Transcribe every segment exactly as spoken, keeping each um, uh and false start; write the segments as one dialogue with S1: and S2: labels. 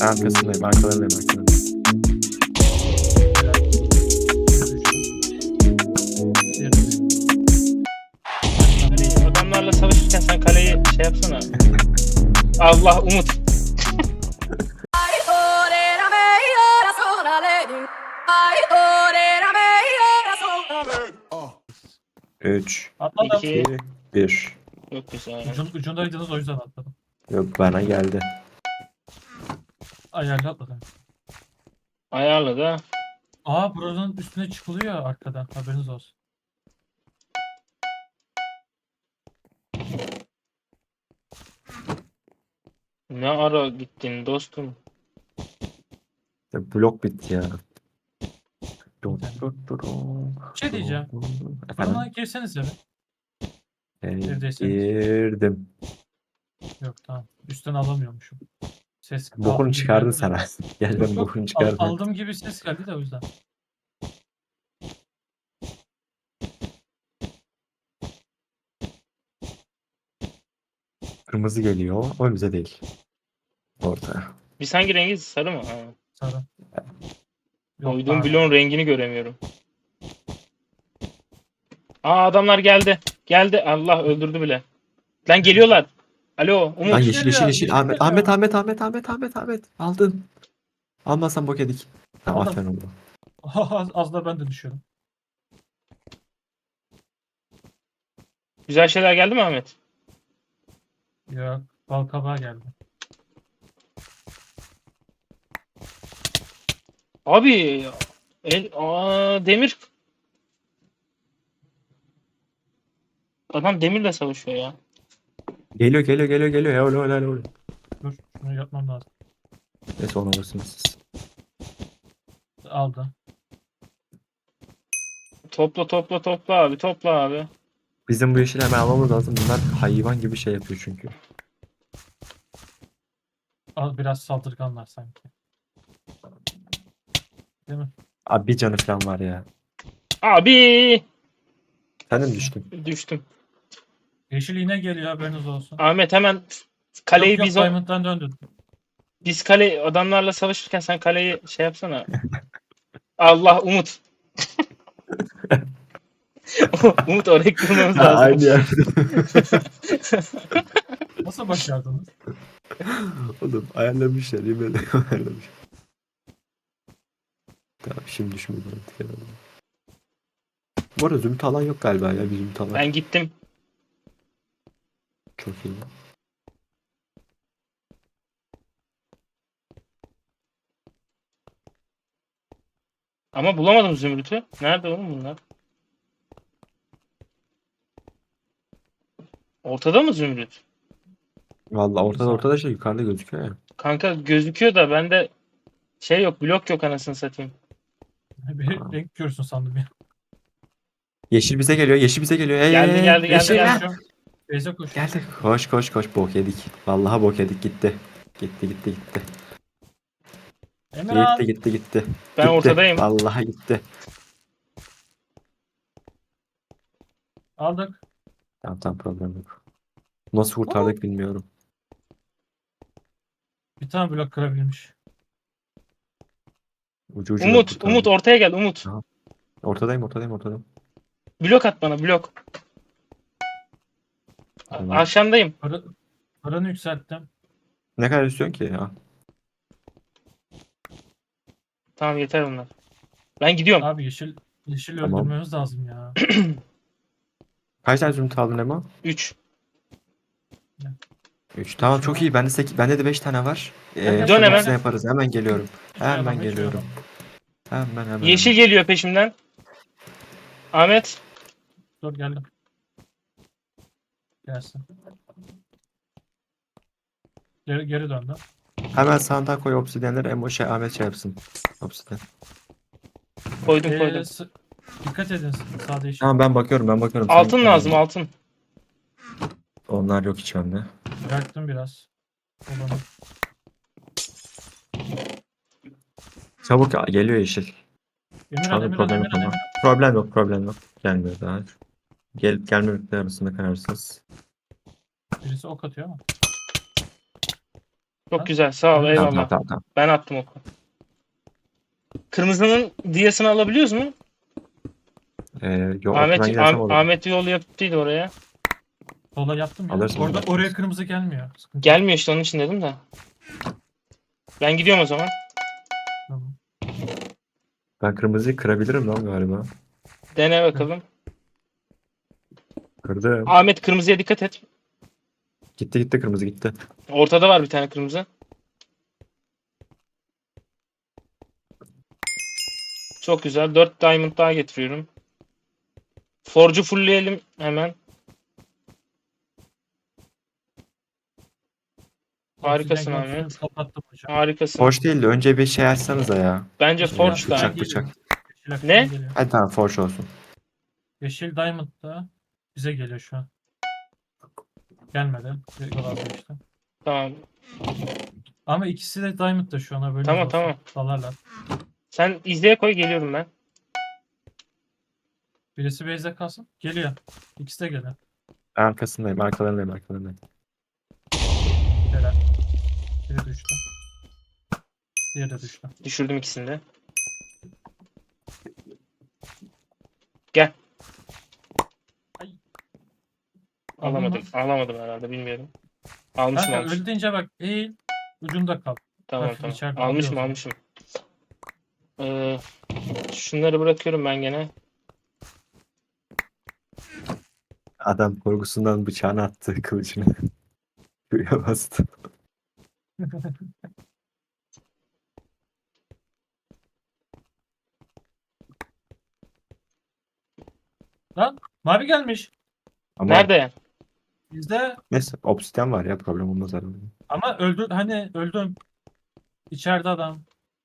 S1: Arkasındayım, arkalarındayım, arkalarındayım.
S2: Kaleyi- Adamlarla savaşırken sen kaleyi şey yapsana. Allah Umut.
S1: üç,
S3: Atladım.
S2: İki.
S1: iki, bir.
S2: Çok güzel.
S3: Ucun, ucundaydınız o yüzden atladım.
S1: Yok, bana geldi.
S3: Ayarlı atladım.
S2: Ayarla da.
S3: Aa buranın üstüne çıkılıyor arkadan. Haberiniz olsun.
S2: Ne ara gittin dostum?
S1: Ya, blok bitti ya. Dur,
S3: İnternet.
S1: dur, dur.
S3: Bir şey diyeceğim.
S1: Efendim?
S3: Fırına girsenize bir.
S1: Ee,
S3: Evdeyseniz.
S1: girdim.
S3: Yok tamam. Üstten alamıyormuşum. Ses aldığım
S1: Bokunu
S3: gibi
S1: çıkardın
S3: geldi de.
S1: sen. Gel
S3: Yok,
S1: ben
S3: yok.
S1: bokunu
S3: Al-
S1: çıkardım.
S3: aldığım gibi ses geldi de o yüzden.
S1: Kırmızı geliyor. O bize değil. Orta.
S2: Biz hangi rengiz? Sarı mı? Ha.
S3: Sarı. Yok,
S2: Koyduğum
S3: pardon.
S2: bloğun rengini göremiyorum. Aa adamlar geldi. Geldi. Allah öldürdü bile. Lan geliyorlar. Alo Umut.
S1: Lan
S3: Yeşil
S1: yeşil yeşil
S3: geliyor,
S1: yeşil.
S3: yeşil
S1: Ahmet,
S3: geliyor.
S1: Ahmet Ahmet Ahmet Ahmet Ahmet Ahmet. Aldın. Almasan bok yedik. Tamam,
S3: Aldım.
S1: aferin oldu.
S3: az, az da ben de düşüyorum.
S2: Güzel şeyler geldi mi Ahmet?
S3: Yok. Bal kabağı geldi.
S2: Abi el, aa, demir. Adam demirle savaşıyor ya.
S1: Geliyor geliyor geliyor geliyor. Helal helal helal.
S3: Dur. Şunu yapmam lazım.
S1: Neyse, onu alırsınız siz.
S3: Aldı.
S2: Topla topla topla abi topla abi.
S1: Bizim bu yeşili hemen almamız lazım. Bunlar hayvan gibi şey yapıyor çünkü.
S3: Al, biraz saldırganlar sanki. Değil mi?
S1: Abi bir canı falan var ya.
S2: Abi
S1: Sen de mi düştün?
S2: düştüm.
S3: Yeşil iğne geliyor haberiniz olsun.
S2: Ahmet hemen kaleyi
S3: yok yok
S2: biz o,
S3: Diamond'dan döndün.
S2: biz kale adamlarla savaşırken sen kaleyi şey yapsana. Allah Umut. Umut oraya kırmamız
S1: Ha,
S2: lazım.
S1: aynı yerde.
S3: Nasıl başardınız?
S1: Oğlum ayarlamışlar. Yemin ederim ayarlamış. Tamam, şimdi düşmedi artık herhalde. Bu arada zümrüt alan yok galiba ya. Bir zümrüt alan.
S2: Ben gittim.
S1: Çok iyi.
S2: Ama bulamadım zümrütü. Nerede oğlum bunlar? Ortada mı zümrüt?
S1: Vallahi ortada ortada şey yukarıda gözüküyor ya.
S2: Kanka gözüküyor da bende şey yok, blok yok anasını satayım.
S3: Bir renk görsün sandım ya.
S1: Yeşil bize geliyor. Yeşil bize geliyor. Hey,
S2: Geldi,
S1: hey, hey,
S2: geldi, geldi,
S1: yeşil
S2: geldi.
S1: lan.
S3: Koşuyorum. Beyza koş.
S1: Geldi. Koş koş koş. Bok yedik. Vallahi bok yedik. Gitti. Gitti gitti gitti.
S3: Emirhan.
S1: Gitti gitti gitti.
S2: Ben
S1: Gitti.
S2: ortadayım.
S1: Vallahi gitti.
S3: Aldık.
S1: Tamam tamam, problem yok. Nasıl kurtardık bilmiyorum.
S3: Bir tane blok kırabilmiş.
S1: Ucu ucuna
S2: Umut,
S1: kurtardık.
S2: Umut ortaya gel Umut.
S1: Ortadayım ortadayım ortadayım.
S2: Blok at bana, blok. A-
S1: Tamam.
S2: Aşağındayım.
S3: Para, paranı yükselttim.
S1: Ne kadar istiyorsun ki ya?
S2: Tamam yeter bunlar. Ben gidiyorum.
S3: Abi yeşil yeşil
S1: Tamam.
S3: öldürmemiz lazım ya.
S1: Kaç tane zümrüt aldın Emo?
S2: üç.
S1: üç. Tamam, çok iyi. Bende sekiz, bende de beş tane var. Ee,
S3: Dön
S1: şunun
S2: hemen.
S1: hepsini yaparız. Hemen geliyorum. Hemen
S3: Yapalım, hiç
S1: geliyorum.
S3: yapalım.
S1: Hemen hemen.
S2: Yeşil
S1: hemen.
S2: geliyor peşimden. Ahmet.
S3: Dur geldim. Gelsin. Geri, geri döndü.
S1: Hemen sandığa koy obsidyenleri. Emo şey Ahmet şey yapsın. Obsidyen.
S2: Koydum
S3: Ee,
S2: koydum.
S3: s- dikkat edin sağda yeşil.
S1: Tamam, ben bakıyorum ben bakıyorum. Sen
S2: Altın
S1: git,
S2: lazım,
S1: tamam.
S2: altın.
S1: Onlar yok hiç bende.
S3: Bıraktım biraz. Olanı.
S1: Çabuk geliyor yeşil. Şu
S3: Emirhan,
S1: anda
S3: Emirhan,
S1: problem yok
S3: Emirhan,
S1: ama.
S3: Emirhan.
S1: Problem yok problem yok. Gelmiyor daha. Gel, gelmemekle arasında kararsız.
S3: Birisi ok atıyor ama.
S2: Çok güzel. Sağ ol.
S3: Tamam,
S1: Tamam
S2: Eyvallah.
S1: tamam tamam. tamam.
S2: Ben attım oku. Kırmızının diyasını alabiliyoruz mu?
S1: Ee, yo, ortadan
S2: Ahmet,
S1: gidersem
S2: Ah-
S1: olur.
S2: Ahmet yol yaptıydı oraya.
S3: Sola yaptım ya.
S1: Alırsın,
S3: Orada
S1: alırsın.
S3: oraya kırmızı gelmiyor. Sıkıntı yok.
S2: Gelmiyor işte onun için dedim de. Ben gidiyorum o zaman.
S3: Tamam.
S1: Ben kırmızıyı kırabilirim lan galiba.
S2: Dene bakalım.
S1: Kırdım.
S2: Ahmet kırmızıya dikkat et.
S1: Gitti gitti kırmızı gitti.
S2: Ortada var bir tane kırmızı. Çok güzel. dört diamond daha getiriyorum. Forge'u fullleyelim hemen. Harikasın
S3: Oksijen
S2: Ahmet.
S3: kontrolü Kapattım hocam.
S2: Harikasın.
S1: Forge değil de önce bir şey açsanıza ya.
S2: Bence
S3: Yeşil
S2: Forge
S3: aksan
S2: da.
S1: bıçak,
S3: geliyor.
S1: bıçak.
S3: Yeşil aksan
S2: Ne?
S3: geliyor.
S1: Hadi tamam Forge olsun.
S3: Yeşil Diamond da bize geliyor şu an. Gelmedi. Yol aldı işte.
S2: Tamam.
S3: Ama ikisi de Diamond da şu an haberiniz
S2: Tamam,
S3: olsun.
S2: tamam.
S3: Dalarlar.
S2: Sen izleye koy, geliyorum ben.
S3: Birisi base'de kalsın. Geliyor. İkisi de geliyor.
S1: Ben arkasındayım arkalarındayım arkalarındayım.
S3: Helal. Biri düştü. Diğeri de düştü.
S2: Düşürdüm ikisini de. Gel.
S3: Ay.
S2: Alamadım.
S3: Aldın
S2: Alamadım herhalde, bilmiyorum. Almışım
S3: Kanka
S2: almışım.
S3: öldü deyince bak eğil. Ucunda kal.
S2: Tamam
S3: hafif
S2: tamam.
S3: içeride
S2: Almışım
S3: alıyor o
S2: almışım. Ee, şunları bırakıyorum ben gene.
S1: Adam korkusundan bıçağını attı kılıcını. Şuraya bastı.
S3: Lan mavi gelmiş.
S1: Ama
S2: Nerede?
S3: Bizde
S1: neyse obsidian var ya problem olmaz herhalde.
S3: ama öldü hani öldüm. İçeride adam.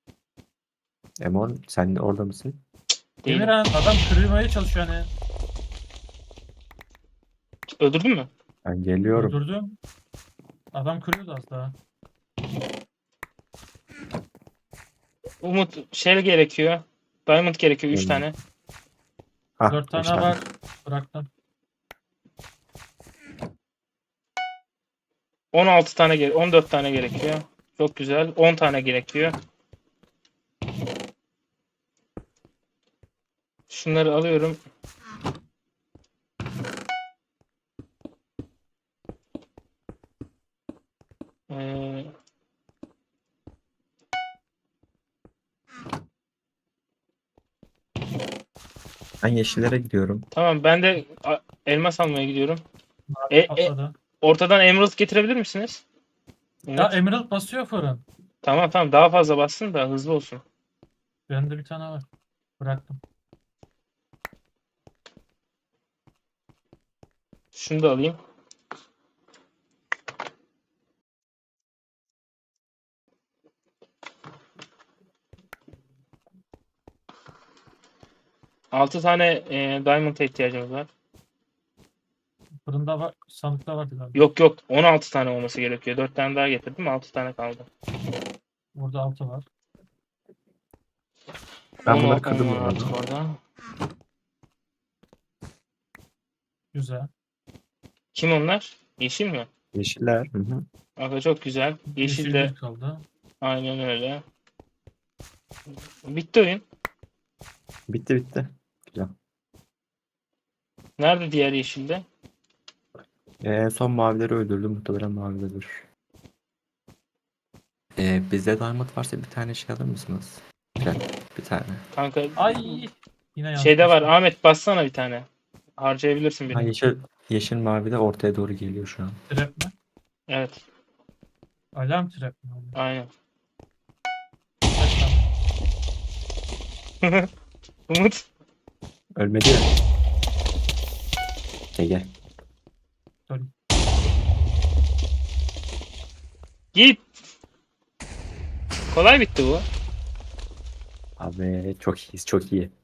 S1: Emon sen de orada mısın?
S2: Değilim.
S3: Emirhan adam kırmaya çalışıyor hani.
S2: Öldürdün mü?
S1: Ben geliyorum.
S3: Öldürdüm. Adam kırıyordu az daha.
S2: Umut şey gerekiyor. Diamond gerekiyor üç
S1: Hmm.
S2: tane.
S1: Ah,
S3: Dört tane
S1: beş tane.
S3: var. Bıraktım.
S2: on altı tane gere on dört tane gerekiyor. Çok güzel. on tane gerekiyor. Şunları alıyorum. Ee,
S1: Ben yeşillere gidiyorum.
S2: tamam, ben de a- elmas almaya gidiyorum.
S3: Mavi
S2: E, e,
S3: patladı.
S2: ortadan emerald getirebilir misiniz?
S3: Ya
S2: Umut.
S3: Emerald basıyor fırın.
S2: Tamam tamam, daha fazla bassın da hızlı olsun.
S3: Bende bir tane var. Bıraktım.
S2: Şunu da alayım. altı tane e, diamond'a ihtiyacımız var.
S3: Fırında var. Sandıkta vardı galiba.
S2: Yok yok, on altı tane olması gerekiyor. dört tane daha getirdim, altı tane kaldı.
S3: Burada altı var.
S1: Ben
S2: on
S1: bunları
S2: altı
S1: kırdım bu
S2: var artık
S1: arada.
S2: orada.
S3: Güzel.
S2: Kim onlar? Yeşil mi?
S1: Yeşiller. Hı hı.
S2: Aga çok güzel. Yeşil de
S3: bir kaldı.
S2: aynen öyle. Bitti oyun.
S1: Bitti bitti. Güzel.
S2: Nerede diğer yeşilde?
S1: Ee, en son mavileri öldürdüm. Muhtemelen mavidedir. Ee, bizde diamond varsa bir tane şey alır mısınız? Güzel. Bir tane.
S2: Kanka
S3: Ay. Yine yanlış
S2: şeyde var.
S3: bastım.
S2: Ahmet bassana bir tane. Harcayabilirsin
S1: Ha,
S2: birini.
S1: yeşil, yeşil mavi de ortaya doğru geliyor şu an.
S3: Trap mi?
S2: Evet.
S3: Alarm trap mi?
S2: Aynen.
S3: Kaç tane?
S2: Umut.
S1: Ölmedi ya. Gel gel.
S3: Dur.
S2: Git. Kolay bitti bu.
S1: Abi çok iyiyiz çok iyi.